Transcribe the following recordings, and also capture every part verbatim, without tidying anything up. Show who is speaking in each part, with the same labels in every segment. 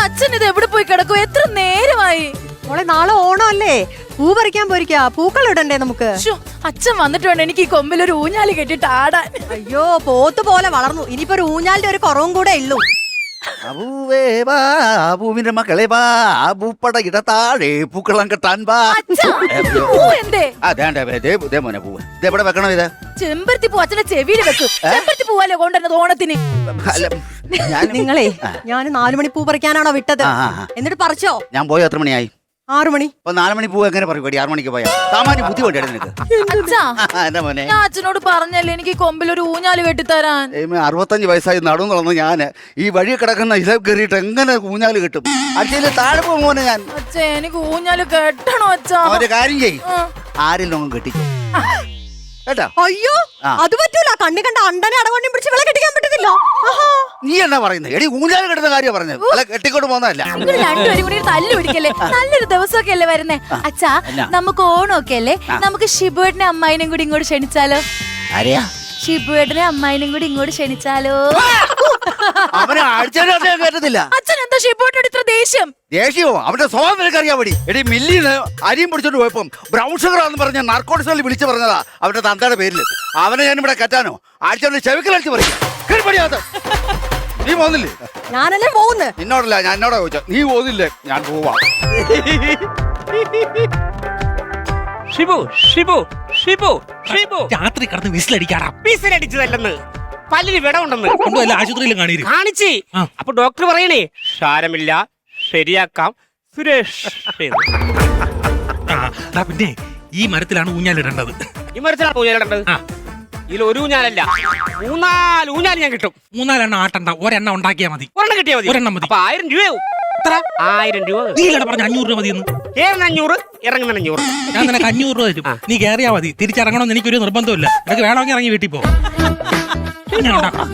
Speaker 1: അച്ഛൻ ഇത് എവിടെ പോയി കിടക്കും? എത്ര നേരമായി?
Speaker 2: മോളെ നാളെ ഓണം അല്ലേ, പൂ പറിക്കാൻ പോയിരിക്കാ, പൂക്കൾ ഇടണ്ടേ നമുക്ക്?
Speaker 1: അച്ഛൻ വന്നിട്ട് വേണം എനിക്ക് ഈ കൊമ്പിൽ ഒരു ഊഞ്ഞാല് കെട്ടിട്ട് ആടാൻ.
Speaker 2: അയ്യോ പോത്ത് പോലെ വളർന്നു, ഇനിയിപ്പോ ഒരു ഊഞ്ഞാലിന്റെ ഒരു കുറവും കൂടെ ഉള്ളൂ.
Speaker 3: പൂവിന്റെ മക്കളെ വാ, പൂപ്പട ഇട താഴെ പൂക്കളം കെട്ടാൻ വാ. മോനെ പൂവ് ഇതെവിടെ വെക്കണം? ഇത്
Speaker 1: ചെമ്പരത്തി പൂ അച്ഛനെ ചെവിയിൽ വെക്കും. ചെമ്പരത്തി പൂവല്ലേ കൊണ്ടുവന്നത് ഓണത്തിന്?
Speaker 2: നിങ്ങളെ ഞാൻ നാലു മണി പൂ പറിക്കാനാണോ വിട്ടത്? എന്നിട്ട് പറിച്ചോ?
Speaker 3: ഞാൻ പോയി എത്ര മണിയായി?
Speaker 2: ആറു മണി.
Speaker 3: അപ്പൊ നാല് മണി പൂവ് എങ്ങനെ പറയും? ആറു മണിക്ക് പോയാ സാമാന്യ ബുദ്ധി വേണ്ടി നിനക്ക്.
Speaker 1: ഞാൻ അച്ഛനോട് പറഞ്ഞല്ലേ എനിക്ക് കൊമ്പിൽ ഒരു ഊഞ്ഞാല് കെട്ടിത്തരാൻ.
Speaker 3: അറുപത്തഞ്ച് വയസ്സായി നടന്നു നടന്ന് ഞാൻ ഈ വഴി കിടക്കുന്ന ഇല കയറിയിട്ട് എങ്ങനെ ഊഞ്ഞാല് കിട്ടും? അച്ഛന് താഴെ പോകും മോനെ ഞാൻ.
Speaker 1: അച്ഛ എനിക്ക് ഊഞ്ഞാല് കെട്ടണോ അച്ഛാ?
Speaker 3: ഒരു കാര്യം ചെയ്യും, ആരെങ്കിലും കെട്ടിക്കും കേട്ടോ.
Speaker 2: അയ്യോ അത് പറ്റൂല, കണ്ണി കണ്ട അണ്ടനെ അടകൊണ്ടി പിടിച്ച് വിള കെട്ടിക്കാൻ പറ്റത്തില്ല.
Speaker 3: നീ എന്നാ പറയുന്നത്? എടി ഊഞ്ഞാല് കെട്ടുന്ന കാര്യം പറഞ്ഞത്, അല്ല കെട്ടിക്കൊണ്ട് പോകുന്നതല്ല.
Speaker 1: രണ്ടുപേരും കൂടി തല്ലു പിടിക്കല്ലേ? നല്ലൊരു ദിവസമൊക്കെ അല്ലേ വരുന്നേ അച്ഛാ. നമുക്ക് ഓണമൊക്കെ അല്ലേ, നമുക്ക് ഷിബുവേട്ടനെ അമ്മായിനും കൂടി ഇങ്ങോട്ട് ക്ഷണിച്ചാലോ?
Speaker 3: ആരെയാ?
Speaker 1: ഷിബുവേട്ടനെ അമ്മായിനും കൂടി ഇങ്ങോട്ട് ക്ഷണിച്ചാലോ?
Speaker 3: അവനെ ആഴ്ചയിലും കേട്ടത്തില്ല.
Speaker 1: അച്ഛൻ എന്താ ഷിബുവേട്ടനോട് ഇത്ര ദേഷ്യം?
Speaker 3: ദേഷ്യമോ? അവന്റെ സ്വഭാവം നിനക്കറിയാൻ പടി. എടി മില്ലിന്ന് അരിയും പിടിച്ചോണ്ട് പോയപ്പം ബ്രൗൺ ഷുഗർ എന്ന് പറഞ്ഞ നാർക്കോട്ടിക്സിൽ വിളിച്ചു പറഞ്ഞതാ അവന്റെ തന്തയുടെ പേരിൽ. അവനെ ഞാൻ ഇവിടെ കെറ്റാനോ? ആഴ്ച ചെവിക്കലടിച്ച് പറയും. നീ പോകുന്നില്ലേ?
Speaker 2: ഞാനല്ലേ പോകുന്നു.
Speaker 3: നിന്നോടല്ല, ഞാൻ എന്നോടാ ചോദിച്ച. നീ പോകുന്നില്ലേ? ഞാൻ പോവാ.
Speaker 4: ഷിബു ഷിബു ഷിബു ഷിബു
Speaker 5: രാത്രി കിടന്ന് വിസിലടിക്കാറാ.
Speaker 4: വിസിലടിച്ചതല്ലെന്ന്, പല്ലിന് വിടമുണ്ടെന്ന്
Speaker 5: കൊണ്ടുവല്ല ആശുപത്രിയിലും കാണിയിരും.
Speaker 4: കാണിച്ച്. അപ്പൊ ഡോക്ടർ പറയണേ സാരമില്ല, ശരിയാക്കാം സുരേഷ്.
Speaker 5: പിന്നെ ഈ മരത്തിലാണ് ഊഞ്ഞാലിടേണ്ടത്.
Speaker 4: ഈ മരത്തിലാണ് ഊഞ്ഞാലിടേണ്ടത്. ഇതിൽ ഒരു ഊഞ്ഞാലല്ല, മൂന്നാല് ഊഞ്ഞാൽ ഞാൻ കിട്ടും.
Speaker 5: മൂന്നാലെണ്ണം ആട്ടണ്ട, ഒരെണ്ണം ഉണ്ടാക്കിയാൽ മതി.
Speaker 4: ഒരെണ്ണം കിട്ടിയാൽ മതി.
Speaker 5: ഒരെണ്ണം മതി.
Speaker 4: അപ്പൊ ആയിരം രൂപയാവും. എത്ര? ആയിരം രൂപ.
Speaker 5: നീ ഇവിടെ പറഞ്ഞ അഞ്ഞൂറ് രൂപ മതിയെന്ന്.
Speaker 4: ഏറിന് അഞ്ഞൂറ്, ഇറങ്ങുന്ന അഞ്ഞൂറ്.
Speaker 5: ഞാൻ നിനക്ക് അഞ്ഞൂറ് രൂപ തരും, നീ കയറിയാ മതി. തിരിച്ചിറങ്ങണമെന്ന് എനിക്കൊരു നിർബന്ധമില്ല. നിനക്ക് വേണമെങ്കിൽ ഇറങ്ങി വീട്ടിൽ പോ. ഞാൻ ഉണ്ടാക്കാം.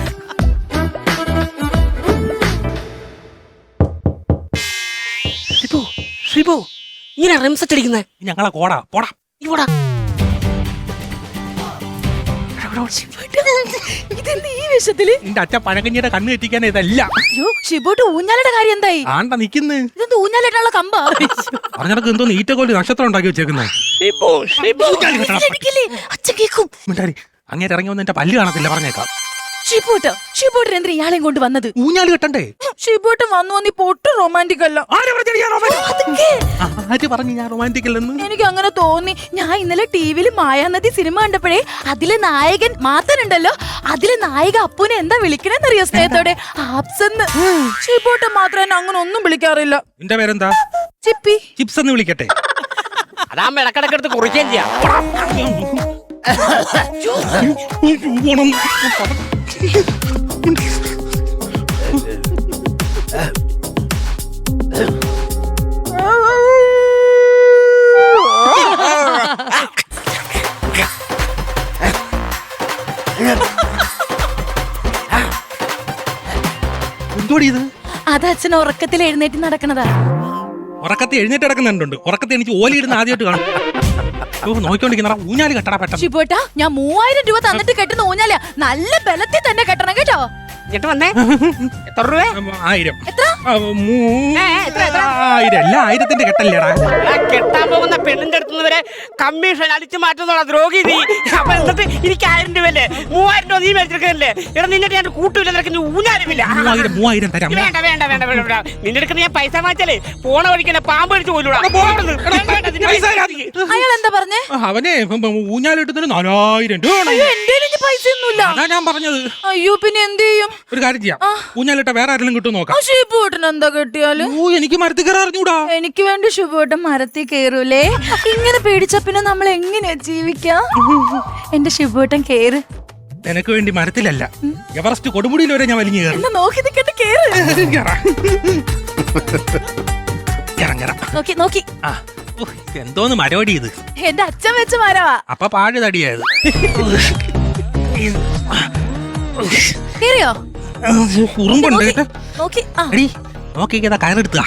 Speaker 4: ഷിബു ഷിബു ഇങ്ങനെ റിംസെറ്റ് അടിക്കുന്നേ
Speaker 5: ഞങ്ങളെ കോടാ പോടാ
Speaker 4: ഇവിടാ.
Speaker 1: ഇതെന്ത് ഈ വേഷത്തില്?
Speaker 5: നിന്റെ അച്ഛൻ പഴകഞ്ഞിയുടെ കണ്ണ് തെറ്റിക്കാൻ ഇതല്ല.
Speaker 1: അയ്യോ ഷിബുട്ട് ഊഞ്ഞാലയുടെ കാര്യം എന്തായി?
Speaker 5: ആണ്ട നിക്കുന്നു.
Speaker 1: ഇതെന്ത് ഊഞ്ഞാലിട്ടുള്ള കമ്പാ?
Speaker 5: പറഞ്ഞിടക്ക് എന്തോ ഈറ്റക്കോല് നക്ഷത്രം ഉണ്ടാക്കി വെച്ചേക്കുന്നത്.
Speaker 1: അച്ഛൻ കേക്കും.
Speaker 5: അങ്ങേറ്റ് ഇറങ്ങി വന്ന് എന്റെ പല്ല് കാണത്തില്ല, പറഞ്ഞേക്കാം.
Speaker 1: ഷിബുട്ട് ഷിബുട്ട് എന്തിനാ ഇയാളെയും കൊണ്ട് വന്നത്?
Speaker 5: ഊഞ്ഞാല് കെട്ടണ്ടേ?
Speaker 1: ഷിബുട്ട് വന്നു വന്നി പൊട്ട് റൊമാൻറ്റിക് അല്ല.
Speaker 5: ആര് പറഞ്ഞു ഞാൻ റൊമാൻറ്റിക് അല്ലെന്ന്?
Speaker 1: എനിക്ക് അങ്ങനെ തോന്നി. ഞാൻ ഇന്നലെ ടിവിയിൽ മായാനദി സിനിമ കണ്ടപ്പോഴേ അതിലെ നായകൻ മാത്രണ്ടല്ലോ, അതിലെ നായിക അപ്പൂനെ എന്താ വിളിക്കണെന്നറിയോ സ്നേഹത്തോടെ? ആപ്സെന്ന്. ഷിബുട്ട് മാത്രം എന്നെ അങ്ങനെ ഒന്നും വിളിക്കാറില്ല.
Speaker 5: നിന്റെ പേരെന്താ?
Speaker 1: ചിപ്പി.
Speaker 5: ചിപ്സ് എന്ന് വിളിക്കട്ടെ?
Speaker 4: അതാകുമ്പോ ഇടക്കിടക്കെടുത്ത് കുറിക്കുകയും ചെയ്യാം.
Speaker 5: എന്തോടി ഇത്?
Speaker 1: അത് അച്ഛൻ ഉറക്കത്തിൽ എഴുന്നേറ്റ് നടക്കണതാ.
Speaker 5: ഉറക്കത്തെ എഴുന്നേറ്റ് കിടക്കുന്നുണ്ട്. ഉറക്കത്തെ എനിക്ക് ഓലിയിടുന്ന ആദ്യമായിട്ട് കാണും. നോക്കിക്കൊണ്ടിരിക്കുന്ന ഊഞ്ഞാല് കെട്ടടാ പെട്ടെന്ന്.
Speaker 1: ഷിബുട്ടാ ഞാൻ മൂവായിരം രൂപ തന്നിട്ട് കെട്ടുന്ന ഊഞ്ഞാല നല്ല ബലത്തിൽ തന്നെ കെട്ടണം കേട്ടോ.
Speaker 4: എന്നിട്ട് വന്നേ എത്ര രൂപ?
Speaker 5: ആയിരം.
Speaker 1: എത്ര?
Speaker 5: ആയിരം അല്ല, ആയിരത്തിന്റെ കെട്ടല്ലേടാ.
Speaker 4: കെട്ടാൻ പോകുന്ന പെണ്ണിന്റെ അടുത്ത് വരെ കമ്മീഷൻ അടിച്ചു മാറ്റുന്നുള്ള ദ്രോഹി നീ. അപ്പൊ എന്നിട്ട് എനിക്ക് ആയിരം രൂപ അല്ലേ? മൂവായിരം രൂപ നീ മേടിച്ചെടുക്കല്ലേ? എടാ നിന്നിട്ട് ഞാൻ കൂട്ടില്ല, നിനക്ക് ഊഞ്ഞാലുമില്ല.
Speaker 5: മൂവായിരം മൂവായിരം തരാം.
Speaker 4: വേണ്ട വേണ്ട വേണ്ട വേണ്ട. നിന്റെ അടുത്ത് ഞാൻ പൈസ വാങ്ങിച്ചാലേ പോണ വഴിക്കല്ലേ പാമ്പ് അടിച്ചു പോലൂടാ.
Speaker 1: അയാൾ എന്താ പറഞ്ഞേ?
Speaker 5: അവനെ ഊഞ്ഞാലിട്ടതിന് നാലായിരം രൂപ.
Speaker 1: എന്റെ പൈസ ഒന്നുമില്ല.
Speaker 5: അതാ ഞാൻ പറഞ്ഞത്.
Speaker 1: അയ്യോ പിന്നെ എന്ത് ചെയ്യും?
Speaker 5: ഒരു കാര്യം ചെയ്യാം, ഊഞ്ഞാലിട്ട വേറെ ആരെങ്കിലും കിട്ടും നോക്കാം.
Speaker 1: ഷിബുട്ടൻ എന്താ കെട്ടിയാല്?
Speaker 5: എനിക്ക് മരത്തിൽ കയറാൻ അറിഞ്ഞൂടാ.
Speaker 1: എനിക്ക് വേണ്ടി ഷിബുട്ടൻ മരത്തിൽ കയറൂലേ? ഇങ്ങനെ പേടിച്ച പിന്നെ നമ്മൾ എങ്ങനെയാ ജീവിക്കാം? എന്റെ ഷിബുട്ടൻ കേറ്.
Speaker 5: എനക്ക് വേണ്ടി മരത്തിലല്ല, എവറസ്റ്റ് കൊടുമുടിയിൽ വരെ ഞാൻ വലിഞ്ഞു കയറും.
Speaker 1: നോക്കി നിൽക്കട്ടെ, കേറ്. നോക്കി നോക്കി.
Speaker 5: എന്തോന്ന് മരവടി ഇത്?
Speaker 1: എന്റെ അച്ഛൻ വെച്ച മരവാ.
Speaker 5: അപ്പൊ പാഴ് തടിയായത്.
Speaker 1: കേറിയോ?
Speaker 5: ഉറുമ്പുണ്ട്.
Speaker 1: നോക്കി
Speaker 5: നോക്കി കയറെടുത്താ.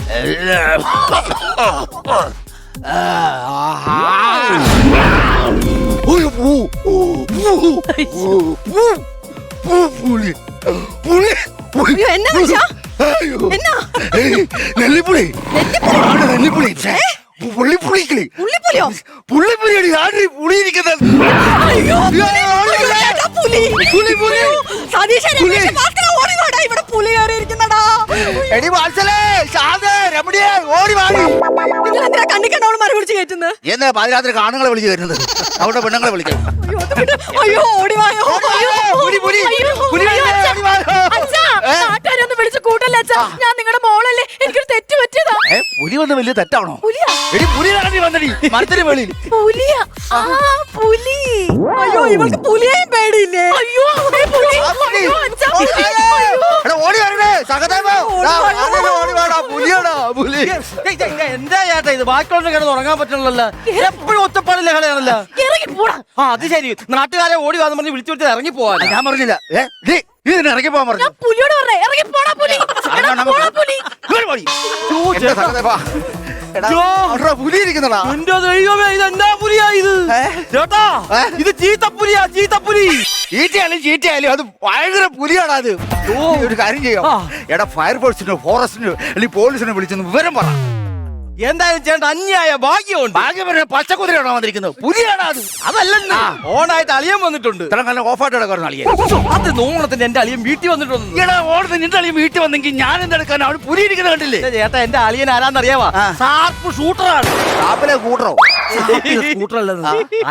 Speaker 3: പുളി പുളി
Speaker 2: അയ്യോ, എന്നാ മനുഷ്യ? എന്നാ?
Speaker 3: നെല്ലിപ്പുളി നെല്ലിപ്പുളി പുള്ളിപ്പുളിക്കിളി
Speaker 2: പുള്ളിപ്പുലിയോ?
Speaker 3: പുള്ളിപ്പുലിയാണ് ആര് പുളിയിരിക്കുന്നത്
Speaker 2: അയ്യോ, ചേട്ടാ, പുലി.
Speaker 3: പുലി, പുലി.
Speaker 2: സതീശൻ,
Speaker 3: പുലി.
Speaker 2: രമേശൻ, ഭാസ്കരൻ, ഓടി വാടാ, ഇവിടെ പുലി കയറിയിരിക്കുന്നടാ.
Speaker 3: എടി വാത്സലേ ശാന്ത രമണിയെ ഓടി വാടി
Speaker 2: നിങ്ങൾ എന്തിനാ കണ്ണിക്കണ്ടവള് മരം പിടിച്ച് കയറ്റുന്നത്?
Speaker 3: എന്നാ പാതിരാത്രി ആണുങ്ങളെ വിളിച്ചു വരുന്നത് അവിടെ പെണ്ണുങ്ങളെ വിളിക്കാം
Speaker 2: അയ്യോ, അത് വിട്. അയ്യോ, ഓടി വായോ. അയ്യോ,
Speaker 3: പുലി, പുലി.
Speaker 2: അയ്യോ,
Speaker 3: പുലി
Speaker 2: അയ്യോ,
Speaker 3: വരുന്നേ,
Speaker 2: അച്ഛാ.
Speaker 3: ഓടി വായോ.
Speaker 1: അച്ഛാ,
Speaker 3: ഏ?
Speaker 1: നാട്ടുകാരൊന്ന് വിളിച്ച് കൂട്ടല്ലേ അച്ഛാ. ഞാൻ നിങ്ങളുടെ മോളല്ലേ, എനിക്കൊരു തെറ്റ് പറ്റിയതാ.
Speaker 3: ഏ പുലി വന്ന് വലിയ തെറ്റാണോ
Speaker 1: പുലിയാ?
Speaker 3: എടി പുലി കാണി വന്നടി മരത്തിന് വെളിയിൽ
Speaker 1: പുലിയാ? ആ, പുലി.
Speaker 2: അയ്യോ, ഇവൾക്ക് പുലിയെയും പേടിയില്ലേ?
Speaker 1: അയ്യോ, അവിടെ പുലി.
Speaker 3: ആ, പുലി.
Speaker 1: അയ്യോ, അച്ഛാ,
Speaker 3: പുലി.
Speaker 1: അയ്യോ.
Speaker 3: എടാ ഓടി വരണേ സഹദേവ
Speaker 2: ഓടി വാ,
Speaker 3: ഓടി വാടാ പുലിയാടാ പുലി
Speaker 6: എന്താ ചേട്ടാ ഇത് ബാക്കിയുള്ള കിടന്ന് ഉറങ്ങാൻ പറ്റണല്ലോ എപ്പോഴും ഒറ്റപ്പാടില്ല കളയാണല്ലോ
Speaker 1: ഇറങ്ങി പോടാ.
Speaker 6: ആ അത് ശരി നാട്ടുകാരെ ഓടി വന്ന് പറഞ്ഞ് വിളിച്ചു വിളിച്ച് ഇറങ്ങി പോവാൻ
Speaker 3: ഞാൻ പറഞ്ഞില്ല ഏ നീ നീ ഇതിന് ഇറങ്ങി പോകാൻ പറഞ്ഞു
Speaker 1: ഞാൻ പുലിയോട് പറഞ്ഞേ, ഇറങ്ങി പോടാ പുലി. എടാ, പോടാ പുലി.
Speaker 3: ഇങ്ങോട്ട് പോടി. എന്റെ സഹദേവാ. എടാ,
Speaker 6: ജോ.
Speaker 3: അവിടെ പുലി ഇരിക്കുന്നടാ
Speaker 6: എന്റെ ദൈവമേ ഇത് എന്താ പുലിയാ ഇത്
Speaker 3: ഏ?
Speaker 6: ചേട്ടാ
Speaker 3: ഏ?
Speaker 6: ഇത് ചീത്തപ്പുലിയാ ചീത്തപ്പുലി
Speaker 3: ചീറ്റയാലും ചീറ്റയാലും അത് ഭയങ്കര പുലിയാടാ അത് നീ ഒരു കാര്യം ചെയ്യാം
Speaker 6: ആ.
Speaker 3: എടാ ഫയർഫോഴ്സിനോ ഫോറസ്റ്റിനോ അല്ലെങ്കിൽ പോലീസിനോ വിളിച്ചൊന്ന് വിവരം പറ
Speaker 6: എന്തായാലും ചേട്ടാ അന്യായ ഭാഗ്യമുണ്ട്
Speaker 3: ഭാഗ്യം പറഞ്ഞ പച്ചക്കുതിരയാണോ വന്നിരിക്കുന്നത് പുലിയാടാ അത്
Speaker 6: അതല്ലെന്ന് ഓണായിട്ട് അളിയൻ വന്നിട്ടുണ്ട്
Speaker 3: ഇത്ര കാലം ഓഫായിട്ട് കിടക്കുന്ന അളിയെ
Speaker 6: അത് നോണത്തിന് എന്റെ അളിയൻ വീട്ടിൽ വന്നിട്ടുണ്ട്
Speaker 3: ഈടാ ഓടുന്ന നിന്റെ അളിയും വീട്ടിൽ വന്നെങ്കിൽ ഞാൻ എന്തെടുക്കാൻ അവന് പുലി ഇരിക്കുന്നത് കണ്ടില്ലേ
Speaker 6: എന്റെ ചേട്ടാ എന്റെ അളിയൻ ആരാന്നറിയാവാ
Speaker 3: ആ.
Speaker 6: ഷാർപ്പ് ഷൂട്ടറാണ്
Speaker 3: ഷാപ്പിലെ കൂട്ടറോ
Speaker 6: ഷൂട്ടറല്ലത്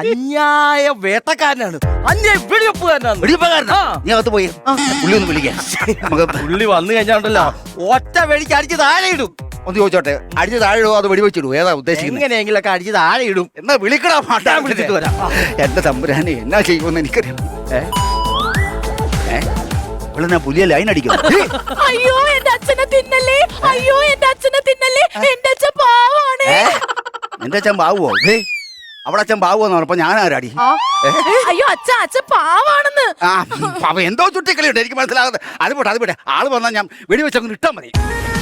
Speaker 6: അന്യായ വേട്ടക്കാരനാണ് അന്യായ വെടിവെപ്പുകാരനാണ്
Speaker 3: വെടിപ്പകാരനാ
Speaker 6: ആ.
Speaker 3: നീ അകത്ത് പോയി പുള്ളി ഒന്ന് വിളിക്കാം നമുക്ക്
Speaker 6: പുള്ളി വന്നു കഴിഞ്ഞാണ്ടല്ലോ ഒറ്റ വെടിക്ക് അടിച്ച് താഴെ ഇടും
Speaker 3: ഒന്ന് ചോദിച്ചോട്ടെ അടിച്ച് താഴെ ഇടുവോ അത് വെടിവെച്ചിടുവോ ഏതാ ഉദ്ദേശിക്കുന്നത്
Speaker 6: എങ്ങനെയെങ്കിലൊക്കെ അടിച്ച് താഴെ ഇടും
Speaker 3: എന്നാ വിളിക്കടാ മാട്ടാ
Speaker 6: ഞാൻ വിളിച്ചിട്ട് വരാം.
Speaker 3: എന്റെ തമ്പുരാനെ എന്നാ ചെയ്യുമെന്ന് എനിക്കറിയാം ഏ ഏ ഇവിടെ ഞാൻ പുലിയെ ലൈൻ അടിക്കും
Speaker 1: അയ്യോ, എന്റെ അച്ഛനെ തിന്നല്ലേ. അയ്യോ, എന്റെ അച്ഛനെ തിന്നല്ലേ. എന്റെ അച്ഛൻ പാവാണ്.
Speaker 3: ഏ എന്റെ അച്ഛൻ ബാവുവോ ഏ അവിടെ അച്ഛൻ ബാവുവെന്ന് പറഞ്ഞപ്പോ ഞാൻ ആരാടി
Speaker 1: അയ്യോ, അച്ഛ അച്ഛൻ പാവാണെന്ന്.
Speaker 3: ആ അവ എന്തോ ചുട്ടിക്കളിയുണ്ട് എനിക്ക് മനസ്സിലാകുന്നത് അത് പോട്ടെ അത് പോട്ടെ ആള് വന്നാൽ ഞാൻ വെടിവെച്ചങ്ങ് ഇട്ടാ മതി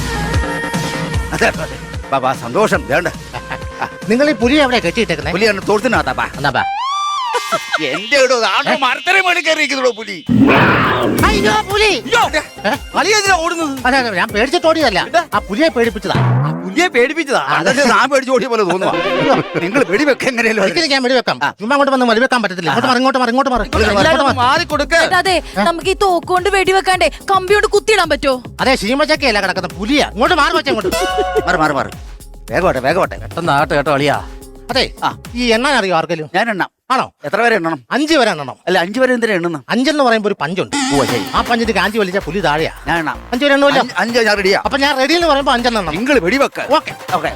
Speaker 3: അതെ അതെ ബാബാ സന്തോഷം വേണ്ട
Speaker 7: നിങ്ങൾ ഈ പുലി എവിടെ കെട്ടിയിട്ടേക്കുന്നേ
Speaker 3: പുലി എന്നെ തോർത്തിനകത്താ ബാ
Speaker 7: എന്നാ ബാ.
Speaker 3: എന്റെ ഇടോ ആണ്ടോ മരത്തര മേടി കയറിയിരിക്കുന്നോ പുലി
Speaker 7: അയ്യോ പുലി
Speaker 6: അളിയെന്തിനാ ഓടുന്നത്
Speaker 7: അതെ അതെ ഞാൻ പേടിച്ചിട്ട് ഓടിയതല്ല ആ പുലിയെ പേടിപ്പിച്ചതാ
Speaker 6: ആ പുലിയെ പേടിപ്പിച്ചതാ
Speaker 3: അതല്ലേ ഞാൻ പേടിച്ച് ഓടിയ പോലെ തോന്നുവാ നിങ്ങൾ വെടിവെക്ക എങ്ങനെയല്ലോ
Speaker 7: ഒരിക്കലും ഞാൻ വെടിവെക്കാം ചുമ്മാ അങ്ങോട്ട് വന്ന് വെടിവെക്കാൻ പറ്റത്തില്ല ഇങ്ങോട്ട് മാറി ഇങ്ങോട്ട് മാറി ഇങ്ങോട്ട് മാറി
Speaker 6: എല്ലാവരും മാറിക്കൊടുക്ക
Speaker 1: ചേട്ടാ, അതെ നമുക്ക് ഈ തോക്കുകൊണ്ട് വെടിവെക്കാണ്ടേ കമ്പി കൊണ്ട് കുത്തിയിടാൻ പറ്റോ?
Speaker 7: അതെ ശീമച്ചക്കയല്ല കിടക്കുന്ന പുലിയാ ഇങ്ങോട്ട് മാറി വെച്ചാ ഇങ്ങോട്ട്
Speaker 3: മാറി മാറി മാറി വേഗോട്ടെ വേഗോട്ടെ
Speaker 6: പെട്ടെന്നാട്ടെ കേട്ടോ അളിയാ
Speaker 7: അതെ
Speaker 3: ആ.
Speaker 7: ഈ എണ്ണാൻ അറിയോ ആർക്കെങ്കിലും
Speaker 3: ഞാൻ എണ്ണാം
Speaker 7: ആണോ
Speaker 3: എത്ര പേരെ എണ്ണണം
Speaker 7: അഞ്ച് വരെ എണ്ണണം
Speaker 3: അല്ല അഞ്ചു പേരെ എന്തിനാ എണ്ണുന്ന
Speaker 7: അഞ്ചെന്ന് പറയുമ്പോ ഒരു പഞ്ചുണ്ട്
Speaker 3: ഓ ശരി
Speaker 7: ആ പഞ്ചിന്റെ കാഞ്ചി വലിച്ച പുലി താഴെയാ
Speaker 3: ഞാൻ എണ്ണാം
Speaker 7: അഞ്ചു വരെ എണ്ണുമല്ലോ
Speaker 3: അഞ്ച്- അഞ്ച് ഞാൻ റെഡിയാ
Speaker 7: അപ്പൊ ഞാൻ റെഡി എന്ന് പറയുമ്പോ അഞ്ചെണ്ണം എണ്ണണം
Speaker 3: നിങ്ങൾ വെടിവെക്ക
Speaker 7: ഓക്കെ
Speaker 3: ഓക്കെ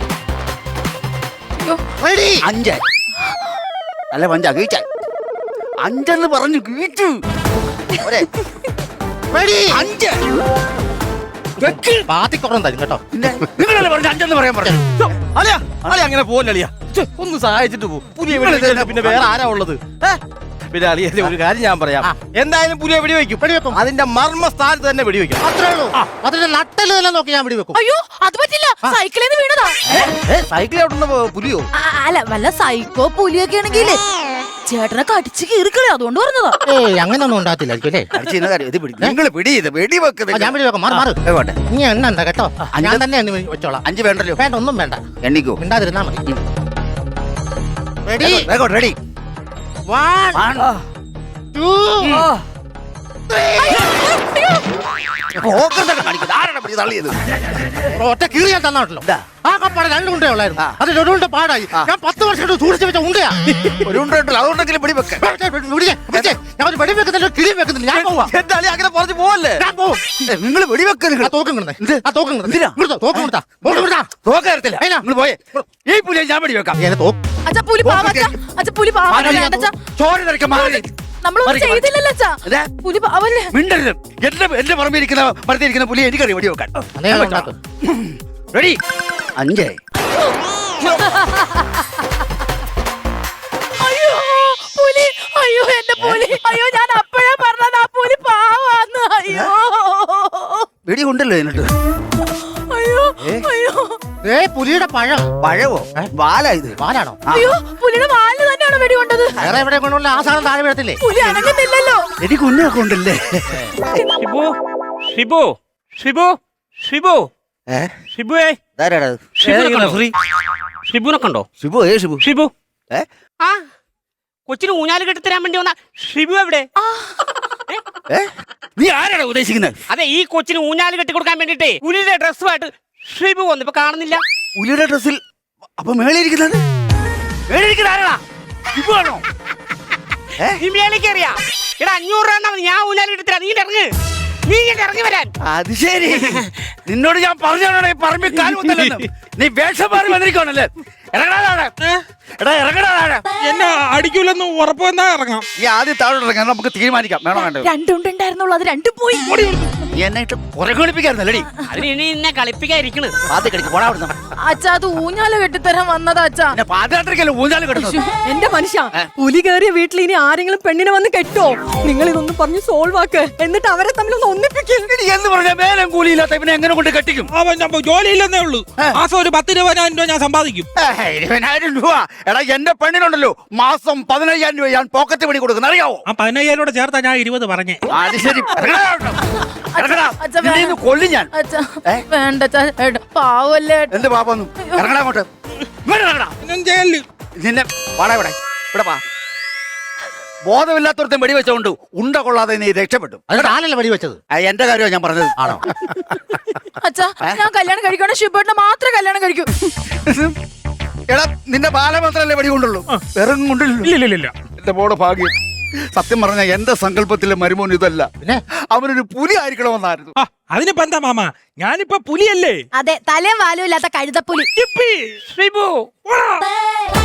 Speaker 7: റെഡി
Speaker 3: അഞ്ച് അല്ല പഞ്ച ഗീച്ച അഞ്ചെന്ന് പറഞ്ഞു ഗീച്ചു ഒരേ
Speaker 7: റെഡി
Speaker 3: അഞ്ച് വെക്ക്.
Speaker 7: പാത്തിക്കുറം തരും കേട്ടോ
Speaker 3: പിന്നെ നിങ്ങളല്ലേ പറഞ്ഞു അഞ്ചെന്ന് പറയാൻ പറഞ്ഞു
Speaker 6: അളിയാ അളിയ അങ്ങനെ പോലെ അളിയാ ഛെ, ഒന്ന് സഹായിച്ചിട്ട് പോ പുലിയെ
Speaker 3: നിങ്ങൾ
Speaker 6: വെടിവെക്കാൻ
Speaker 3: ഇതെന്നാ
Speaker 6: പിന്നെ വേറെ ആരാ ഉള്ളത് ഏ? പിന്നെ അളിയന്റെ ഒരു കാര്യം ഞാൻ പറയാം
Speaker 7: ആ.
Speaker 6: എന്തായാലും പുലിയെ വെടിവെക്കും
Speaker 7: വെടിവെക്കും.
Speaker 6: അതിന്റെ മർമ്മ സ്ഥാനത്ത് തന്നെ വെടിവെക്കും
Speaker 7: അത്രേ ഉള്ളൂ അതിന്റെ നട്ടല് തന്നെ നോക്കി ഞാൻ വെടിവെക്കും
Speaker 1: അയ്യോ, അത് പറ്റില്ല. സൈക്കിളിൽ നിന്ന് വീണതാ.
Speaker 6: സൈക്കിളിൽ ഓടുന്ന പുലിയോ
Speaker 1: ആ, അല്ല വല്ല സൈക്കോ പുലിയൊക്കെ ആണെങ്കിലേ ചേട്ടനെ കടിച്ച് കീറിക്കളി, അതുകൊണ്ട് പറഞ്ഞതാ.
Speaker 7: ഏയ് അങ്ങനൊന്നും ഉണ്ടാകത്തില്ലായിരിക്കും അല്ലേ
Speaker 3: അടിച്ചിരുന്ന കാര്യം ഇത് പിടി നിങ്ങൾ പിടി ഇത് വെടിവെക്ക്
Speaker 7: ആ,
Speaker 3: നിങ്ങൾ.
Speaker 7: ഞാൻ വെടിവെക്കാം മാറി മാറി
Speaker 3: വേഗോട്ടെ
Speaker 7: നീ എണ്ണ എന്താ കേട്ടോ ഞാൻ
Speaker 3: അഞ്ച്-
Speaker 7: തന്നെ എണ്ണി വെച്ചോളാം
Speaker 3: അഞ്ച് വേണ്ടല്ലോ
Speaker 7: വേണ്ട ഒന്നും വേണ്ട
Speaker 3: എണ്ണിക്കോ
Speaker 7: മിണ്ടാതിരുന്നാ മതി റെഡി
Speaker 3: വേഗോട്ടെ റെഡി
Speaker 7: വൺ ടു
Speaker 3: തള്ളിയത്
Speaker 7: ഒറ്റ കീറി ഞാൻ തന്നാണല്ലോ ആ കപ്പാടെ രണ്ട് ഉണ്ടേ ഉള്ളായിരുന്നു
Speaker 3: ആ.
Speaker 7: അത് ഒരു പാടായി
Speaker 3: ആ.
Speaker 7: ഞാൻ പത്ത് വർഷം സൂക്ഷിച്ചു വെച്ച ഉണ്ടയാ
Speaker 3: ഒരു ഉണ്ടല്ലോ അതുകൊണ്ടെങ്കിലും പിടിവെക്ക
Speaker 7: വിടിച്ചേ, വിടിച്ചേ. ഞാൻ ഒരു വെടി വെക്കുന്നില്ല കിളി വെക്കുന്നില്ല ഞാൻ പോവാ
Speaker 6: എന്റെ അളി അങ്ങനെ പറഞ്ഞു പോവല്ലേ
Speaker 7: ഞാൻ പോവും
Speaker 3: നിങ്ങൾ വെടിവെക്ക നിങ്ങൾ
Speaker 7: ആ തോക്കും കിടന്നേ
Speaker 3: എന്ത്?
Speaker 7: ആ തോക്കും കിടന്നേ
Speaker 3: എന്തിനാ?
Speaker 7: ഇങ്ങോട്ട് തോക്ക് കൊടുത്താ തോക്ക് കൊടുത്താ
Speaker 3: തോക്കരത്തില്ല
Speaker 7: അതിനാ?
Speaker 3: നിങ്ങൾ പോയേ ഈ പുലിയെ ഞാൻ വെടിവെക്കാം
Speaker 7: ഏത് തോക്ക്
Speaker 1: അച്ഛ പുലി പാവ അച്ഛാ. അച്ഛ പുലി പാവ അച്ഛാ.
Speaker 3: ചോര നിറയ്ക്കാൻ മാറി
Speaker 1: നമ്മളൊന്നും
Speaker 3: മാറിക്ക്,
Speaker 1: ചെയ്തില്ലല്ലോ അച്ഛാ.
Speaker 3: ഇതാ.
Speaker 1: പുലി പാവല്ലേ.
Speaker 3: മിണ്ടരുത് എന്റെ എന്റെ പറമ്പിരിക്കുന്ന മരത്തിരിക്കുന്ന പുലി എനിക്കറിയാം വെടിവെക്കാൻ
Speaker 7: അതേ ഉണ്ടാക്കും
Speaker 3: റെഡി അഞ്ച്
Speaker 1: അയ്യോ പുലി, അയ്യോ എന്റെ പുലി, അയ്യോ ഞാൻ അപ്പോഴേ പറഞ്ഞത് ആ പുലി പാവാന്ന്. അയ്യോ
Speaker 3: വെടി കൊണ്ടല്ലോ എന്നിട്ട്
Speaker 1: അയ്യോ അയ്യോ
Speaker 7: ഏ പുലിയുടെ പഴം
Speaker 3: പഴവോ വാല ഇത്
Speaker 7: പാലാണോ
Speaker 3: ആ.
Speaker 1: അയ്യോ പുലിയുടെ വാലിന് തന്നെയാണോ വെടി കൊണ്ടത്?
Speaker 7: വേറെ എവിടെ കൊണ്ടുള്ള ആ സാധനം താഴെ വീഴത്തില്ലേ?
Speaker 1: പുലി അനങ്ങുന്നില്ലല്ലോ.
Speaker 3: എനിക്ക് ഉന്നൊക്കെ ഉണ്ടല്ലേ.
Speaker 4: ഷിബു ഷിബു ഷിബു ഷിബു
Speaker 3: ഏ
Speaker 4: ഷിബുവേ
Speaker 3: ഇതാരാടാ ഇത്?
Speaker 4: ഷിബുനെ കണ്ടോ? ഷിബുനെ കണ്ടോ?
Speaker 3: ഷിബു ഏ ഷിബു
Speaker 4: ഷിബു
Speaker 3: ഏ
Speaker 4: ആ കൊച്ചിന് ഊഞ്ഞാല് കെട്ടിത്തരാൻ വേണ്ടി വന്ന ഷിബു എവിടെ?
Speaker 3: ഏ നീ ആരാടാ ഉദ്ദേശിക്കുന്നത്?
Speaker 4: അതെ ഈ കൊച്ചിന് ഊഞ്ഞാല് കെട്ടി കൊടുക്കാൻ വേണ്ടിട്ടേ പുലിയുടെ ഡ്രസ്സുമായിട്ട് ഷിബു വന്നു. ഇപ്പൊ കാണുന്നില്ല.
Speaker 3: പുലിയുടെ ഡ്രസ്സിൽ അപ്പൊ മേളിയിരിക്കുന്നത് മേളിയിരിക്കുന്ന ആരാടാ? ഷിബു ആണോ? ഏ
Speaker 4: നീ മേലേക്ക് അറിയാം. എടാ അഞ്ഞൂറ് രൂപ തന്നാ മതി, ഞാൻ ഊഞ്ഞാല് കെട്ടിത്തരാം. നീ ഇറങ്ങ്, നീ ഇങ്ങോട്ട് ഇറങ്ങി വരാൻ.
Speaker 3: അത് ശരി. നിന്നോട് ഞാൻ പറഞ്ഞാണോ ഈ പറമ്പിൽ കാലുകുത്തലെന്ന്? നീ വേഷം മാറി വന്നിരിക്കണല്ലേ? ഇറങ്ങടാ താഴെ. എടാ ഇറങ്ങടാ താഴെ.
Speaker 5: എന്നെ അടിക്കൂലെന്ന് ഉറപ്പ് വന്നാ ഇറങ്ങാം.
Speaker 3: ഈ ആദ്യം താഴോട്ട് ഇറങ്ങാൻ നമുക്ക് തീരുമാനിക്കാം. വേണോ വേണ്ടോ?
Speaker 1: രണ്ടുണ്ടായിരുന്നുള്ളൂ, അത് രണ്ടും പോയി.
Speaker 3: നീ എന്നെ ഇട്ട് പുറകുളിപ്പിക്കായിരുന്നല്ലേ?
Speaker 4: അതിന് ഇനി എന്നെ കളിപ്പിക്കാതിരിക്കണ്.
Speaker 3: പാത്തി കളിക്ക് പോടാ അവിടുന്ന്.
Speaker 1: അച്ഛാ അത് ഊഞ്ഞാല് കെട്ടിത്തരാൻ വന്നതാ അച്ഛാ.
Speaker 3: പിന്നെ പാതിരാത്രിക്കല്ലേ ഊഞ്ഞാല് കിടന്നത്?
Speaker 2: എന്റെ മനുഷ്യ, പുലി കയറിയ വീട്ടിൽ ഇനി ആരെങ്കിലും പെണ്ണിനെ വന്ന് കെട്ടോ? നിങ്ങൾ ഇതൊന്നും പറഞ്ഞ് സോൾവ് ആക്ക്, എന്നിട്ട് അവരെ തമ്മിൽ ഒന്ന് ഒന്നിപ്പിക്കും.
Speaker 3: ഇനി എന്ന് പറഞ്ഞാൽ വേലം കൂലിയില്ലാത്ത ഇവനെ എങ്ങനെ കൊണ്ട് കെട്ടിക്കും?
Speaker 5: അവൻ ഞാൻ ജോലിയില്ലെന്നേ ഉള്ളൂ. മാസം ഒരു പത്ത് ഇരുപതിനായിരം രൂപ ഞാൻ സമ്പാദിക്കും.
Speaker 3: ഏഹ്, ഇരുപതിനായിരം രൂപ. എടാ എന്റെ പെണ്ണിനുണ്ടല്ലോ മാസം പതിനയ്യായിരം രൂപ ഞാൻ പോക്കറ്റ് പണി കൊടുക്കുന്ന അറിയാവോ?
Speaker 5: ആ പതിനയ്യായിരം കൂടെ ചേർത്താ ഞാൻ ഇരുപത് പറഞ്ഞേ.
Speaker 3: അത് ശരി. ഇറങ്ങടാ അവിടുന്ന്. ഇറങ്ങടാ.
Speaker 1: അച്ഛാ,
Speaker 3: നിന്നെ ഇന്ന് കൊല്ലും ഞാൻ.
Speaker 1: അച്ഛാ
Speaker 3: ഏ?
Speaker 1: വേണ്ട അച്ഛാ, ഏട്ടാ, പാവല്ലേ ഏട്ടാ.
Speaker 3: എന്ത് പാപ്പൊന്നും? ഇറങ്ങടാ അങ്ങോട്ട്. ഇങ്ങോട്ട് ഇറങ്ങടാ.
Speaker 5: ഞാൻ ചെയ്യല്.
Speaker 3: നിന്നെ വാടാ ഇവിടെ. ഇവിടെ വാ. ബോധമില്ലാത്തവർക്ക് വെടി വെച്ചോണ്ട് ഉണ്ട കൊള്ളാതെ നീ രക്ഷപ്പെട്ടു.
Speaker 7: അത് താനല്ലേ വെടി വെച്ചത്?
Speaker 3: ആ, എന്റെ കാര്യമാണ് ഞാൻ പറഞ്ഞത്.
Speaker 7: ആണോ?
Speaker 1: അച്ഛാ ഞാൻ കല്യാണം കഴിക്കണേ ഷിബേട്ടനെ മാത്രമേ കല്യാണം കഴിക്കൂ.
Speaker 3: എടാ നിന്റെ ബാല മാത്രല്ലേ വെടി കൊണ്ടുള്ളൂ, വെറും കൊണ്ടില്ലല്ലോ.
Speaker 5: ഇല്ല ഇല്ല ഇല്ല.
Speaker 3: എന്റെ മോടെ ഭാഗ്യം. സത്യം പറഞ്ഞ എന്റെ സങ്കല്പത്തിലെ മരുമോൻ ഇതല്ല.
Speaker 7: പിന്നെ?
Speaker 3: അവനൊരു പുലി ആയിരിക്കണമെന്നായിരുന്നു.
Speaker 5: ആ അതിനിപ്പോ എന്താ മാമ, ഞാനിപ്പോ പുലിയല്ലേ.
Speaker 1: അതെ, തലയും വാലും ഇല്ലാത്ത കഴുതപ്പുലി.
Speaker 5: ചിപ്പി.
Speaker 4: ഷിബു
Speaker 5: പോടാ.